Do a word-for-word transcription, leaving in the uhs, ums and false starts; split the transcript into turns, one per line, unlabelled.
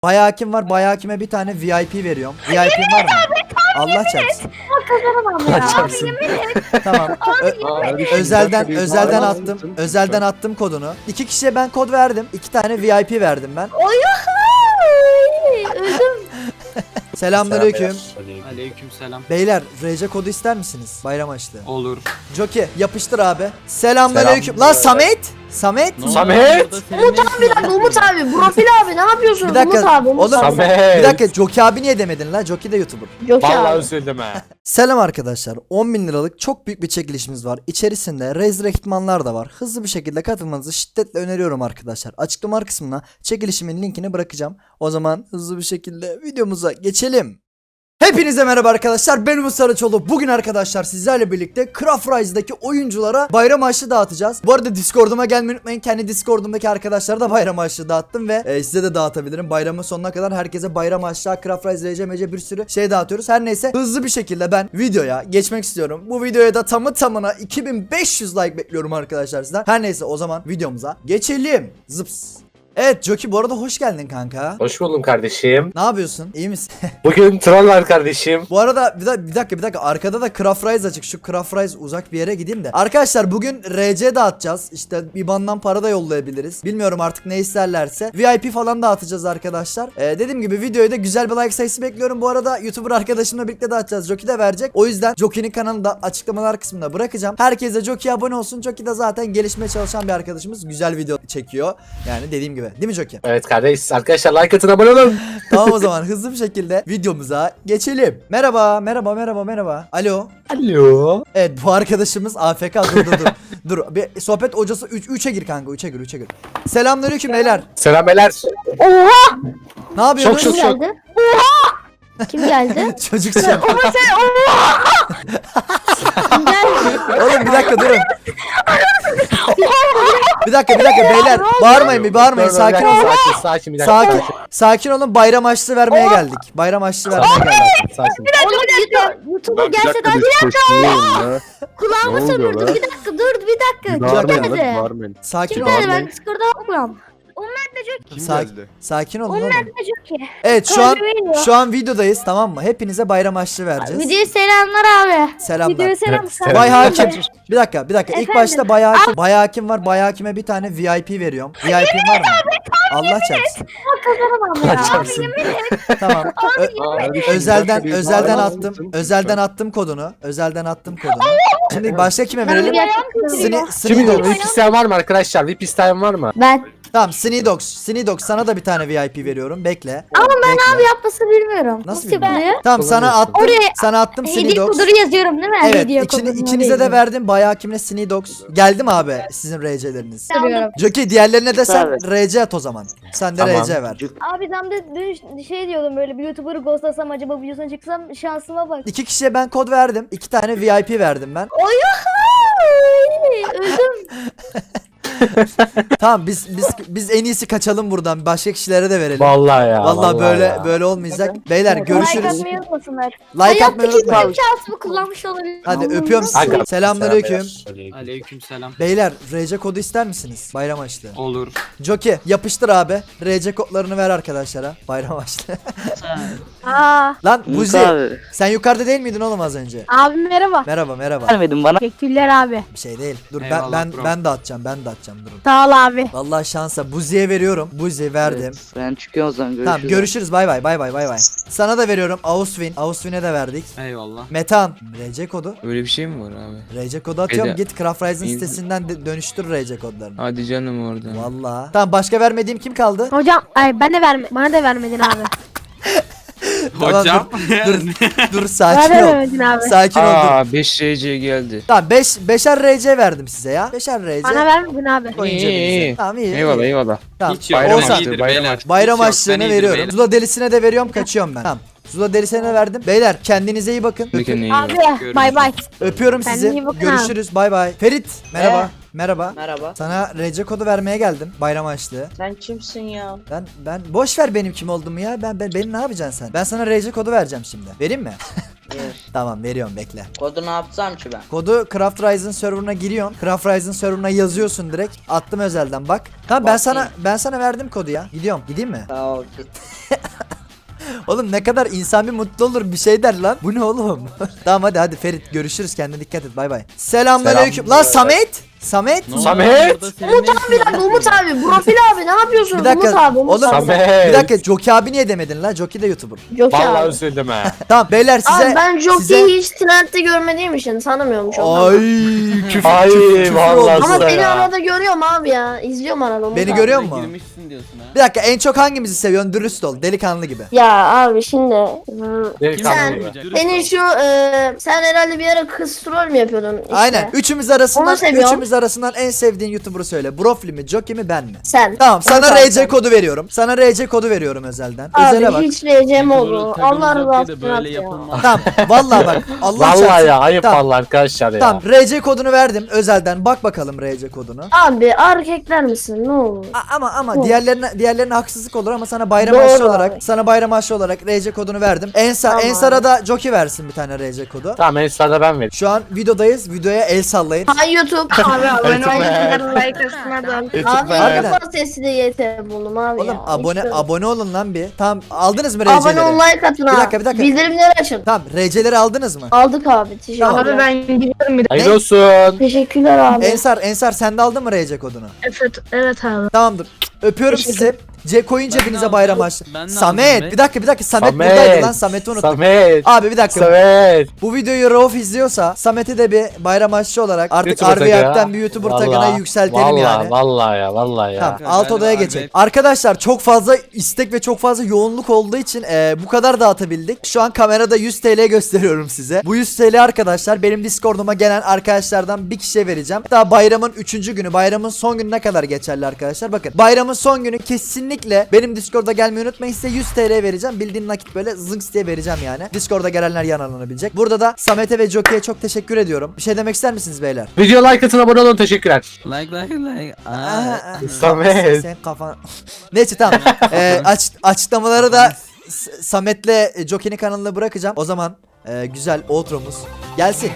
Bayağı hakim var. Bayağı hakime bir tane V I P veriyorum. V I P'm var mı? Allah çarpsın. Allah çarpsın. Tamam. Ö- özelden özelden attım. Özelden attım kodunu. İki kişiye ben kod verdim. İki tane V I P verdim ben.
Öldüm.
Selamünaleyküm.
Aleykümselam.
Beyler R C kodu ister misiniz? Bayram açtı.
Olur.
Jockey yapıştır abi. Selamünaleyküm.
Selam.
Lan Samet. Samet.
Samet.
Umut abi lan Umut abi. Profil abi ne yapıyorsun?
Bir dakika.
Umut abi. Umut
Oğlum
abi.
Samet.
bir dakika Jockey abi niye demedin lan? Jockey de YouTuber.
Yok
Vallahi
abi.
üzüldüm ha.
Selam arkadaşlar. on bin liralık çok büyük bir çekilişimiz var. İçerisinde Razer ekipmanlar da var. Hızlı bir şekilde katılmanızı şiddetle öneriyorum arkadaşlar. Açıklama kısmına çekilişimin linkini bırakacağım. O zaman hızlı bir şekilde videomuza geçelim. Hepinize merhaba arkadaşlar, ben Umut Saraçoğlu. Bugün arkadaşlar sizlerle birlikte Craft Rise'daki oyunculara bayram harçlığı dağıtacağız. Bu arada Discord'uma gelmeyi unutmayın. Kendi Discord'umdaki arkadaşlara da bayram harçlığı dağıttım ve e, size de dağıtabilirim. Bayramın sonuna kadar herkese bayram harçlığı, Craft Rise, R C M C bir sürü şey dağıtıyoruz. Her neyse hızlı bir şekilde ben videoya geçmek istiyorum. Bu videoya da tamı tamına iki bin beş yüz like bekliyorum arkadaşlar sizden. Her neyse o zaman videomuza geçelim. Zıps. Evet Jockey, bu arada hoş geldin kanka.
Hoş buldum kardeşim.
Ne yapıyorsun? İyi misin?
Bugün troll var kardeşim.
Bu arada bir, da, bir dakika bir dakika arkada da Craft Rise açık. Şu Craft Rise uzak bir yere gideyim de. Arkadaşlar bugün R C dağıtacağız. İşte I B A N'dan para da yollayabiliriz. Bilmiyorum artık ne isterlerse. V I P falan dağıtacağız arkadaşlar. Ee, dediğim gibi videoyu da güzel bir like sayısı bekliyorum. Bu arada YouTuber arkadaşımla birlikte dağıtacağız. Jockey de verecek. O yüzden Jockey'nin kanalını da açıklamalar kısmına bırakacağım. Herkes de Jockey'e abone olsun. Jockey de zaten gelişmeye çalışan bir arkadaşımız. Güzel video çekiyor. Yani dediğim gibi. Değil mi Jockey?
Evet kardeş, arkadaşlar like atın, abone olun.
Tamam o zaman hızlı bir şekilde videomuza geçelim. Merhaba, merhaba, merhaba, merhaba. Alo.
Alo.
Evet bu arkadaşımız A F K. Dur dur dur. Dur bir sohbet hocası üçe gir kanka, üçe gir, üçe gir. Selamünaleyküm beyler.
Selam beyler.
Oha.
Ne yapıyorsunuz?
Çok
Kim
şok.
geldi? Oha. Kim geldi?
Çocuk şey.
Oha sen oha. Kim geldi?
Oğlum bir dakika durun. Bir dakika bir dakika beyler. Bağırmayın bir bağırmayın.
Dur, dur,
Sakin
bir
olun.
dakika, Sakin, sakin bir dakika.
Sakin. Sakin olun, bayram harçlığı vermeye geldik. Bayram harçlığı vermeye geldik.
Sakin.
Oğlum YouTube- YouTube'a gelse daha bir dakika. Kulağımı sömürdü. Bir dakika dur bir dakika. Kim geldi?
Sakin
Kim
olun.
geldi? Ben Discord'a bakmıyorum.
Sakin, sakin olun oğlum.
Ne çok iyi.
Evet şu an
Söylüyor.
şu an videodayız, tamam mı? Hepinize bayram harçlığı vereceğiz.
Videoya selamlar abi.
Selamlar.
Videoya selam.
Evet,
Bay
selam.
Hakim. Bir dakika, bir dakika. İlk
Efendim?
başta Bay Hakim. Bay Hakim var. Bay Hakim'e bir tane V I P veriyorum. V I P'm var mı? Allah çarpsın.
Kazanamam ya.
Çarpsın. Tamam. Ö- özelden özelden attım. Özelden attım kodunu. Özelden attım kodunu. Şimdi başka kime verelim? Sini
Kimin
Snidox.
V I P isteyen var mı arkadaşlar? V I P isteyen var mı?
Ben.
Tamam, Snidox. Snidox sana da bir tane V I P veriyorum. Bekle.
Ama ben
Bekle.
abi yapmasını bilmiyorum.
Nasıl
Nasıl
bilmiyorum?
yapılıyor?
Tamam sana attım.
Oraya-
Sana attım
Hediye
Snidox.
kodunu yazıyorum değil mi?
Evet,
Hediye
ikini,
kodunu
ikinize de
oraya
verdim. Bay Hakim'le Snidox. Geldi mi abi sizin R C'leriniz?
yazıyorum.
Jockey diğerlerine de sen R C at o zaman. Sen de
Tamam.
R C ver.
Abi ben de dün şey diyordum, böyle bir YouTuber'ı ghostlasam acaba videosuna çıksam, şansıma bak.
İki kişiye ben kod verdim. İki tane V I P verdim ben.
Öldüm.
Tamam biz biz biz en iyisi kaçalım buradan. Başka kişilere de verelim.
Vallahi ya.
Vallahi böyle
ya.
böyle olmayacak. Beyler
Like
görüşürüz.
atmayı unutmasınlar.
Like atmayı
Hayattaki
unutmayın.
tüm şansımı kullanmış olabilirim.
Hadi
Allah'ım.
öpüyorum
Aga,
sizi. Selamünaleyküm.
selam
Aleykümselam.
Beyler R C kodu ister misiniz? Bayram harçlığı.
Olur.
Jockey yapıştır abi. R C kodlarını ver arkadaşlara. Bayram harçlığı.
Aa.
Lan
Umut
Buzi
abi.
sen yukarıda değil miydin oğlum az önce?
Abi merhaba.
Merhaba merhaba.
Vermedin bana.
Teşekkürler abi.
Bir şey değil. Dur ben
Eyvallah
ben
bro.
ben dağıtacağım. Ben dağıtacağım durun.
Sağ ol abi.
Vallahi şansa Buzi'ye veriyorum. Buzi verdim.
Evet, ben çıkıyorum o zaman, görüşürüz.
Tamam görüşürüz, bay bay bay bay bay bay. Sana da veriyorum Auswin. Auswin'e de verdik.
Eyvallah.
Metan R C kodu.
Öyle bir şey mi var abi?
R C kodu atıyorum.
Ede-
Git Craft Rise'ın
İyi.
sitesinden de- dönüştür R C kodlarını.
Hadi canım oradan.
Vallahi. Tamam başka vermediğim kim kaldı?
Hocam ay ben de verme bana da vermedin abi.
Tamam,
Hocam.
Dur dur
Bana
sakin
da
ol.
vermedin abi.
Sakin ol dur.
Aa beş R C geldi.
Tamam beş beşer R C verdim size ya. Beşer R C.
Bana vermedin abi.
Koyun
İyi,
cebinize.
iyi.
Tamam iyi.
Eyvallah
iyi.
eyvallah.
Tamam.
Hiç yok.
Bayram
Oğuzhan,
açtı,
iyidir
bayram
beyler.
açtı.
Bayram
Hiç yok,
açlığını
sen iyidir
veriyorum.
beyler.
Zula delisine de veriyorum, kaçıyorum ben. Tamam. Zula delisine de verdim. Beyler kendinize iyi bakın. Öpü-
Kendine iyi bak.
Abi bay bay.
öpüyorum
Kendine
sizi.
iyi bakın
Görüşürüz. Bay bay. Ferit merhaba.
Ee?
Merhaba.
Merhaba.
Sana R C kodu vermeye geldim. Bayram açlığı.
Sen kimsin ya?
Ben ben boş ver benim kim olduğumu ya. Ben, ben benim ne yapacaksın sen? Ben sana R C kodu vereceğim şimdi. Vereyim mi?
Ver.
Tamam veriyorum bekle.
Kodu ne yapsam ki ben?
Kodu Craft Rise'ın serverına giriyorsun. Craft Rise'ın serverına yazıyorsun direkt. Attım özelden bak. Tamam ben sana ben sana verdim kodu ya. Gidiyorum. Gideyim mi?
Sağ ol git.
Oğlum ne kadar insan bir mutlu olur bir şey der lan. Bu ne oğlum? Tamam hadi hadi Ferit görüşürüz kendine dikkat et bay bay. Selamünaleyküm. Lan Samet. Samet.
Samet.
Umut abi lan Umut abi. Profil abi ne yapıyorsun?
Bir dakika.
Umut abi. Umut
Oğlum
abi.
Samet.
bir dakika Joki abi niye demedin lan? Joki de YouTuber.
Jockey
Vallahi
abi.
üzüldüm ha.
Tamam beyler size
Abi ben
size
Jockey'i hiç trendde görmediğim için tanımıyorum çok.
Ay küfür
Ay,
küfür, küfür
vallahi
oldu.
Ama
Nasıl
seni
ya?
arada görüyorum abi ya. İzliyorum arada Umut
Beni
abi.
görüyor musun?
Girmişsin diyorsun ha.
Bir dakika en çok hangimizi seviyorsun? Dürüst ol. Delikanlı gibi.
Ya abi şimdi hı,
Delikanlı
Sen-
gibi.
senin şu e, sen herhalde bir ara kız troll mü yapıyordun işte?
Aynen. Üçümüz arasından
Onu seviyorum.
üçümüz arasından en sevdiğin YouTuber'ı söyle. Brofli mi, Joki mi, ben mi?
Sen.
Tamam sana
Onu
R C
sen.
kodu veriyorum. Sana R C kodu veriyorum özelden. Özele
Abi
bak.
hiç reyeceğim oldu.
Doğru,
Allah
takımın
razı
Jockey'de
olsun
böyle
ya.
yapılmaz.
Tamam. Vallahi bak. Allah
Vallahi
çarpsın.
ya ayıp
Tamam.
vallahi arkadaşlar ya.
Tamam R C kodunu verdim özelden. Bak bakalım R C kodunu.
Abi erkekler misin ne olur?
A- ama ama
Doğru.
diğerlerine diğerlerine haksızlık olur ama sana bayram
Doğru
aşçı olarak
abi.
sana bayram aşçı olarak R C kodunu verdim. Ensa
Tamam
Ensar'a da Joki versin bir tane R C kodu.
Tamam en sırada ben vereyim.
Şu an videodayız. Videoya el sallayın.
Hay YouTube. Abi abone
olun.
like atmadan. Abi
Harbiden.
ilk defa sesli Y T buldum abi
Oğlum
ya.
abone
Hiç böyle-
abone olun lan bir. Tamam aldınız mı
Abone
R C'leri?
ol like atın
Bir
ha.
dakika, bir dakika.
Bildirimleri açın.
Tamam R C'leri aldınız mı?
Aldık abi. Teşekkürler.
Tamam.
Abi ben gidiyorum bir
Hayırlı olsun.
Teşekkürler abi.
Ensar Ensar sen de aldın mı R C kodunu?
Evet, evet abi.
Tamamdır. Öpüyorum
Teşekkür-
sizi. C koyun
Ben de
cebinize
aldım.
bayram açtı.
Ben de
Samet
aldım be.
bir dakika bir dakika Samet,
Samet.
buradaydı lan Samet'i unuttum.
Samet.
Abi bir dakika.
Samet.
Bu videoyu Rauf izliyorsa Samet'i de bir bayram aşçı olarak artık
YouTuber tagı ya.
Arviyak'tan bir YouTuber tagına
Vallahi,
yükseltelim
vallahi,
yani.
Vallahi ya vallahi ya.
Tamam
Ya,
alt
ben
odaya
de
geçelim.
Arviyak-
Arkadaşlar çok fazla istek ve çok fazla yoğunluk olduğu için e, bu kadar dağıtabildik. Şu an kamerada yüz T L gösteriyorum size. Bu yüz T L arkadaşlar benim Discord'uma gelen arkadaşlardan bir kişiye vereceğim. Daha bayramın üçüncü günü, bayramın son gününe kadar geçerli arkadaşlar. Bakın bayramın son günü kesinlikle benim Discord'a gelmeyi unutmayın. Size yüz T L vereceğim. Bildiğin nakit böyle zınks diye vereceğim yani. Discord'a gelenler yararlanabilecek. Burada da Samet'e ve Joki'ye çok teşekkür ediyorum. Bir şey demek ister misiniz beyler?
Video like atın abone olun teşekkürler.
Like like like.
Aa,
Aa.
aa.
Samet.
Sen kafan... Neyse tamam. Ee, aç, açıklamaları da S- Samet'le Joki'nin kanalına bırakacağım. O zaman e, güzel outro'muz gelsin.